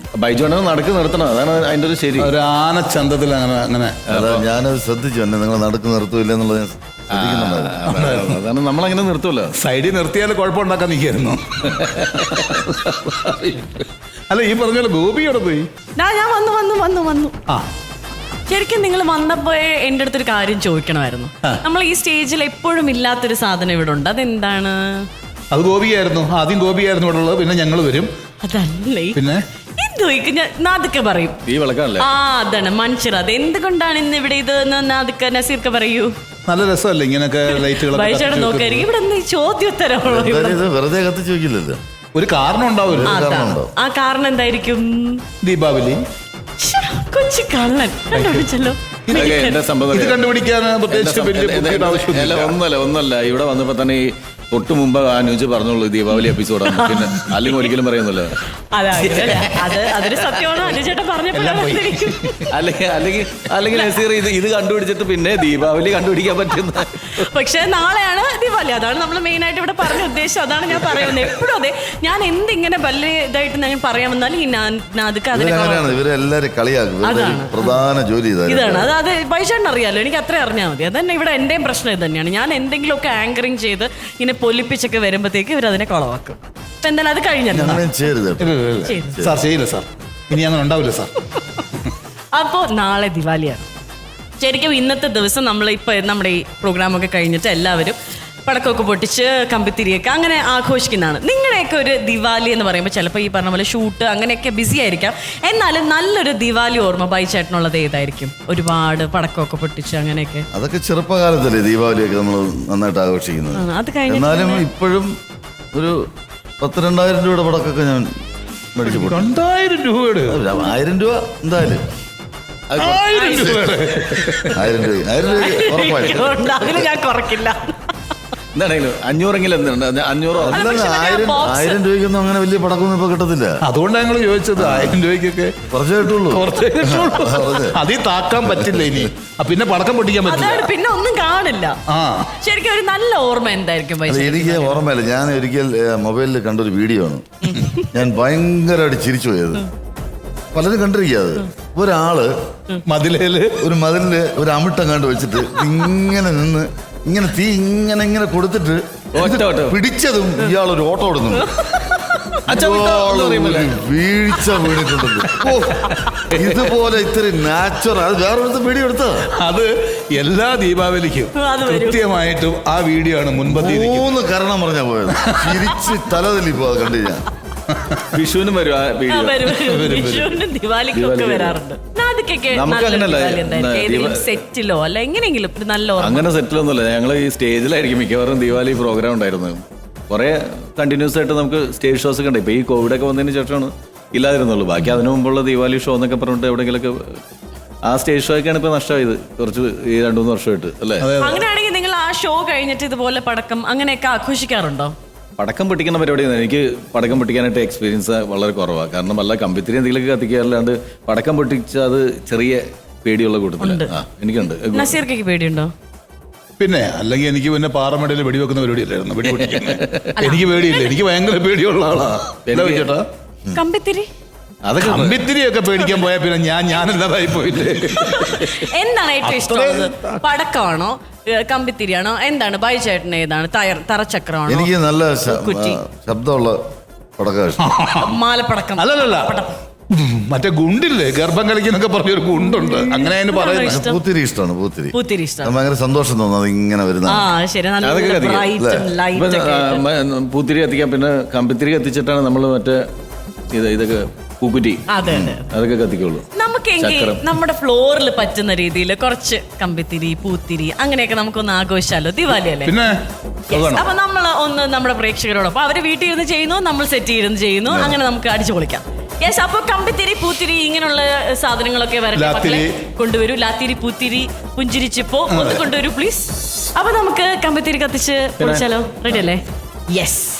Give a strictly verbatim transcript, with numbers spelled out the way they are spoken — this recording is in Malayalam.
ബൈജോനെ നടക്ക് നിർത്തണം, അതാണ് അതിന്റെ ഒരു ശരി. ഒരു ആനച്ചന്തത്തിൽ അങ്ങനെ അങ്ങനെ അതാ ഞാനത് ശ്രദ്ധിച്ചു എന്നെ, നിങ്ങൾ നടക്ക് നിർത്തൂല്ല എന്നുള്ളത് ഞാൻ ശ്രദ്ധിക്കുന്നുണ്ടായിരുന്നു. അതാണ് നമ്മളങ്ങനെ നിർത്തൂല്ലോ. സൈഡിൽ നിർത്തിയാൽ കുഴപ്പമുണ്ടാക്കാൻ നിൽക്കായിരുന്നു. അല്ല ഈ പറഞ്ഞ പോലെ ഗോപിയോടെ പോയി. ഞാൻ വന്നു വന്നു വന്നു വന്നു ആ ശരിക്കും നിങ്ങൾ വന്നപ്പോ എന്റെ അടുത്തൊരു കാര്യം ചോദിക്കണമായിരുന്നു. നമ്മൾ ഈ സ്റ്റേജിൽ എപ്പോഴും ഇല്ലാത്തൊരു സാധനം ഇവിടെ ഉണ്ട്, അതെന്താണ്? അത് ഗോപിയായിരുന്നു. ആദ്യം ഗോപിയായിരുന്നു ഇവിടെ ഉള്ളത്, പിന്നെ ഞങ്ങൾ വരും. അതല്ലേ പിന്നെ എന്തോ നാദിക്ക പറയും. ഈ വിളക്കാണല്ലേ? ആ അതാണ് മനുഷ്യർ. അത് എന്തുകൊണ്ടാണ് ഇന്ന് ഇവിടെ ഇത് നാദിക്ക നസീർക്ക പറയൂ. നല്ല രസമല്ലേ ഇങ്ങനെയൊക്കെ ലൈറ്റുകൾ. ബൈചേട്ടൻ നോക്കായിരിക്കും ഇവിടെ എന്ത് ചോദ്യോത്തരമുള്ളൂ. ഇത് വെറുതെ കത്തിച്ച് വെക്കില്ലല്ലോ, ഒരു കാരണം ഉണ്ടാവും. ആ കാരണം എന്തായിരിക്കും? ദീപാവലി. കൊച്ചു കള്ളൻ കണ്ടുപിടിച്ചല്ലോ. എന്റെ സംഭവം ഇത് കണ്ടുപിടിക്കാൻ പ്രത്യേകിച്ച് വലിയ ബുദ്ധിയുടെ ആവശ്യമില്ല. ഒന്നല്ല ഒന്നല്ല ഇവിടെ വന്നപ്പോ തന്നെ ഈ തൊട്ട് മുമ്പ് അനുജ് പറഞ്ഞോളൂ ദീപാവലി എപ്പിസോഡാണ്, പിന്നെ അല്ലെങ്കിൽ ഒരിക്കലും പറയുന്നില്ല. അതൊരു സത്യമാണ് അനുചേട്ടൻ പറഞ്ഞപ്പോൾ. അല്ലെങ്കിൽ അല്ലെങ്കിൽ അല്ലെങ്കിൽ നസീർ ഇത് ഇത് കണ്ടുപിടിച്ചിട്ട് പിന്നെ ദീപാവലി കണ്ടുപിടിക്കാൻ പറ്റുന്ന. പക്ഷെ നാളെയാണ് ദീപാവലി, അതാണ് നമ്മൾ മെയിൻ ആയിട്ട് ഇവിടെ പറഞ്ഞ ഉദ്ദേശം. അതാണ് ഞാൻ പറയുന്നത് എപ്പോഴും. അതെ, ഞാൻ എന്തിങ്ങനെ വലിയ ഇതായിട്ട് ഞാൻ പറയാൻ വന്നാലും ഈ നാദിക്ക ഇവരെല്ലാരും കളിയാക്കും. പ്രധാന ജോലി ഇതാണ്. അത് അത് ബൈചേട്ടൻ അറിയാലോ, എനിക്ക് അത്രയും അറിഞ്ഞാൽ മതി. അതന്നെ ഇവിടെ എന്റെയും പ്രശ്നം ഇത് തന്നെയാണ്. ഞാൻ എന്തെങ്കിലുമൊക്കെ ആങ്കറിങ് ചെയ്ത് ഇങ്ങനെ പൊലിപ്പിച്ചൊക്കെ വരുമ്പോഴത്തേക്ക് ഇവർ അതിനെ കുളവാക്കും. അപ്പൊ എന്തായാലും അത് കഴിഞ്ഞല്ലോ സാർ. ചെയ്യില്ല സാർ, ഇനി അങ്ങനെ ഉണ്ടാവില്ല സാർ. അപ്പോൾ നാളെ ദിവാലിയാണ്. ശരിക്കും ഇന്നത്തെ ദിവസം നമ്മൾ ഇപ്പൊ നമ്മുടെ ഈ പ്രോഗ്രാമൊക്കെ കഴിഞ്ഞിട്ട് എല്ലാവരും പടക്കമൊക്കെ പൊട്ടിച്ച് കമ്പിത്തിരിയൊക്കെ അങ്ങനെ ആഘോഷിക്കുന്നതാണ്. നിങ്ങളുടെയൊക്കെ ഒരു ദിവാലി എന്ന് പറയുമ്പോൾ ചിലപ്പോൾ ഈ പറഞ്ഞ പോലെ ഷൂട്ട് അങ്ങനെയൊക്കെ ബിസി ആയിരിക്കാം. എന്നാലും നല്ലൊരു ദിവാലി ഓർമ്മ ബൈചേട്ടനുള്ളത് ഏതായിരിക്കും? ഒരുപാട് പടക്കമൊക്കെ പൊട്ടിച്ച് അങ്ങനെയൊക്കെ. അതൊക്കെ ചെറുപ്പകാലത്തല്ലേ ദീപാവലിയൊക്കെ നമ്മൾ നന്നായിട്ട് ആഘോഷിക്കുന്നത്. അത് കഴിഞ്ഞ എന്നാലും ഇപ്പോഴും ഒരു പത്ത് രണ്ടായിരം രൂപയുടെ പടക്കൊക്കെ ഞാൻ മേടിച്ചു. രണ്ടായിരം രൂപയുടെ ആയിരം രൂപ എന്തായാലും ആയിരം രൂപ ആയിരം രൂപ ഉറപ്പായിട്ടും അതിന് ഞാൻ കുറക്കില്ല. എന്താണെങ്കിലും അഞ്ഞൂറെങ്കിലും എന്തുണ്ട് അഞ്ഞൂറോ ആയിരം ആയിരം രൂപയ്ക്കൊന്നും അങ്ങനെ വലിയ പടക്കൊന്നും ഇപ്പൊ കിട്ടത്തില്ല. അതുകൊണ്ടാണ് ഞങ്ങൾ ചോദിച്ചത്. ആയിരം രൂപയ്ക്കൊക്കെ കുറച്ചേ കിട്ടുള്ളൂ. അതിൽ താക്കാൻ പറ്റില്ല ഇനി, പിന്നെ പടക്കം പൊട്ടിക്കാൻ പറ്റില്ല, പിന്നെ ഒന്നും കാണില്ല. ശരിക്കും ഒരു നല്ല ഓർമ്മ എന്തായിരിക്കും? എനിക്ക് ഓർമ്മയില്ല. ഞാൻ ഒരിക്കൽ മൊബൈലിൽ കണ്ടൊരു വീഡിയോ ആണ്, ഞാൻ ഭയങ്കരമായിട്ട് ചിരിച്ചു പോയത്. പലരും കണ്ടിരിക്കാത്. ഒരാള് മതിലേല് ഒരു മതിലില് ഒരു അമിട്ടം കണ്ടു വെച്ചിട്ട് ഇങ്ങനെ നിന്ന് ഇങ്ങനെ തീ ഇങ്ങനെ ഇങ്ങനെ കൊടുത്തിട്ട് പിടിച്ചതും ഇയാളൊരു ഓട്ടം ഓടുന്നു. വീഴ്ച വീണിട്ടുണ്ടല്ലോ. ഇതുപോലെ ഇത്തിരി നാച്ചുറൽ അത് വേറൊരു വീഡിയോ എടുത്തത്. അത് എല്ലാ ദീപാവലിക്കും കൃത്യമായിട്ടും ആ വീഡിയോ ആണ് മുൻപത്തി മൂന്ന് കാരണം പറഞ്ഞാ പോയത്. തിരിച്ച് തലതല്ലിപ്പോ അത് കണ്ടു ഞാൻ. വിഷുവിനും വരും ആ വീഡിയോ. വിഷുവിനും ദിവാലിക്കൊക്കെ വരാറുണ്ട്. സെറ്റിലോ അല്ല എങ്ങനെയെങ്കിലും നല്ല അങ്ങനെ സെറ്റിലൊന്നുമല്ല. ഞങ്ങൾ ഈ സ്റ്റേജിലായിരിക്കും മിക്കവാറും ദീപാവലി പ്രോഗ്രാം ഉണ്ടായിരുന്നത്. കുറെ കണ്ടിന്യൂസ് ആയിട്ട് നമുക്ക് സ്റ്റേജ് ഷോസ് ഒക്കെ ഉണ്ട്. ഇപ്പൊ ഈ കോവിഡ് ഒക്കെ വന്നതിന് ശേഷമാണ് ഇല്ലാതിരുന്നുള്ളൂ. ബാക്കി അതിനു മുമ്പുള്ള ദീപാവലി ഷോ എന്നൊക്കെ പറഞ്ഞിട്ട് എവിടെയെങ്കിലൊക്കെ ആ സ്റ്റേജ് ഷോ ഒക്കെയാണ് ഇപ്പൊ നഷ്ടമായത് കുറച്ച് ഈ രണ്ടു മൂന്ന് വർഷമായിട്ട് അല്ലേ. അങ്ങനെയാണെങ്കിൽ നിങ്ങൾ ആ ഷോ കഴിഞ്ഞിട്ട് ഇതുപോലെ പടക്കം അങ്ങനെയൊക്കെ ആഘോഷിക്കാറുണ്ടോ? പടക്കം പൊട്ടിക്കുന്ന പരിപാടിയാണ്. എനിക്ക് പടക്കം പൊട്ടിക്കാനായിട്ട് എക്സ്പീരിയൻസ് വളരെ കുറവാണ്. കാരണം വല്ല കമ്പിത്തിരി എന്തെങ്കിലുമൊക്കെ കത്തിക്കാറില്ലാണ്ട് പടക്കം പൊട്ടിച്ചാൽ അത് ചെറിയ പേടിയുള്ള കൂട്ടത്തില് എനിക്കുണ്ട്. നസീർക്കൊക്കെ പേടിയുണ്ടോ? പിന്നെ അല്ലെങ്കിൽ എനിക്ക് പിന്നെ പാറമടയിൽ വെടിവെക്കുന്ന പരിപാടിയല്ലായിരുന്നു. വെടി എനിക്ക് പേടിയില്ല, എനിക്ക് ഭയങ്കര പേടിയുള്ള ആളാ. ചേട്ടാ കമ്പിത്തിരി അതൊക്കെ കമ്പിത്തിരിയൊക്കെ പേടിക്കാൻ പോയാൽ പിന്നെ ഞാൻ ഞാനല്ലാതായി പോയില്ലേ. എന്താണ് ഏറ്റവും ഇഷ്ടം? പടക്കമാണോ കമ്പിത്തിരിയാണോ? എന്താണ് ബൈചേട്ടന് ഏതാണ്? തറച്ചക്രമാണോ? എനിക്ക് നല്ല ശബ്ദമുള്ള പടക്കം. മാലപ്പടക്കം അല്ലല്ല, മറ്റേ ഗുണ്ടില്ലേ ഗർഭം കളിക്കുന്നൊക്കെ പറഞ്ഞൊരു ഗുണ്ടുണ്ട്, അങ്ങനെ അതിന് പറയുന്നത്. പൂത്തിരി ഇഷ്ടമാണ്. പൂത്തിരി പൂത്തിരി ഇഷ്ടം. ഭയങ്കര സന്തോഷം തോന്നുന്നത് ഇങ്ങനെ വരുന്ന. പൂത്തിരി കത്തിക്കാം. പിന്നെ കമ്പിത്തിരി കത്തിച്ചിട്ടാണ് നമ്മൾ മറ്റേ ഇത് ഇതൊക്കെ പൂക്കുറ്റി അതൊക്കെ കത്തിക്കുള്ളൂ. നമുക്കെങ്കിൽ നമ്മുടെ ഫ്ലോറിൽ പറ്റുന്ന രീതിയിൽ കുറച്ച് കമ്പിത്തിരി പൂത്തിരി അങ്ങനെയൊക്കെ നമുക്കൊന്ന് ആഘോഷിച്ചാലോ? ദിവാലി അല്ലേ. അപ്പൊ നമ്മൾ ഒന്ന് നമ്മുടെ പ്രേക്ഷകരോടൊപ്പം അവര് വീട്ടിൽ ഇരുന്ന് ചെയ്യുന്നു, നമ്മൾ സെറ്റ് ഇരുന്ന് ചെയ്യുന്നു, അങ്ങനെ നമുക്ക് അടിച്ചു പൊളിക്കാം. യെസ്. അപ്പൊ കമ്പിത്തിരി പൂത്തിരി ഇങ്ങനെയുള്ള സാധനങ്ങളൊക്കെ വരട്ടെ, കൊണ്ടുവരൂ. ലാത്തിരി പൂത്തിരി പുഞ്ചിരിച്ചിപ്പോ ഒന്ന് കൊണ്ടുവരൂ പ്ലീസ്. അപ്പൊ നമുക്ക് കമ്പിത്തിരി കത്തിച്ച് പൊളിച്ചാലോ? റെഡി അല്ലേ? യെസ്.